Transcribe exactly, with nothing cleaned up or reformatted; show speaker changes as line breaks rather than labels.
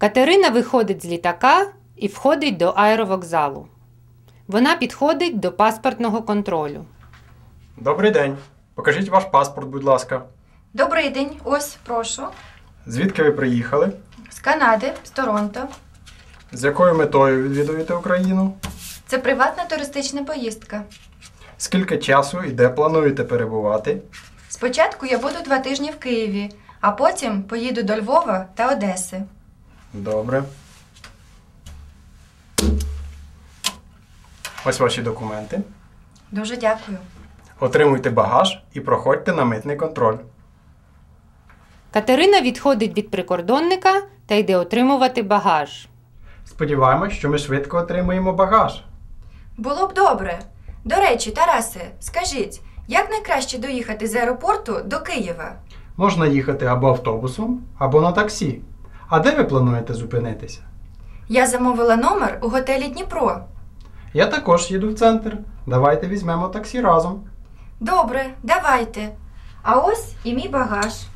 Катерина виходить з літака і входить до аеровокзалу. Вона підходить до паспортного контролю.
Добрий день. Покажіть ваш паспорт, будь ласка.
Добрий день. Ось, прошу.
Звідки ви приїхали?
З Канади, з Торонто.
З якою метою відвідуєте Україну?
Це приватна туристична поїздка.
Скільки часу і де плануєте перебувати?
Спочатку я буду два тижні в Києві, а потім поїду до Львова та Одеси.
Добре. Ось ваші документи.
Дуже дякую.
Отримуйте багаж і проходьте на митний контроль.
Катерина відходить від прикордонника та йде отримувати багаж.
Сподіваємось, що ми швидко отримаємо багаж.
Було б добре. До речі, Тарасе, скажіть, як найкраще доїхати з аеропорту до Києва?
Можна їхати або автобусом, або на таксі. А де ви плануєте зупинитися?
Я замовила номер у готелі Дніпро.
Я також їду в центр. Давайте візьмемо таксі разом.
Добре, давайте. А ось і мій багаж.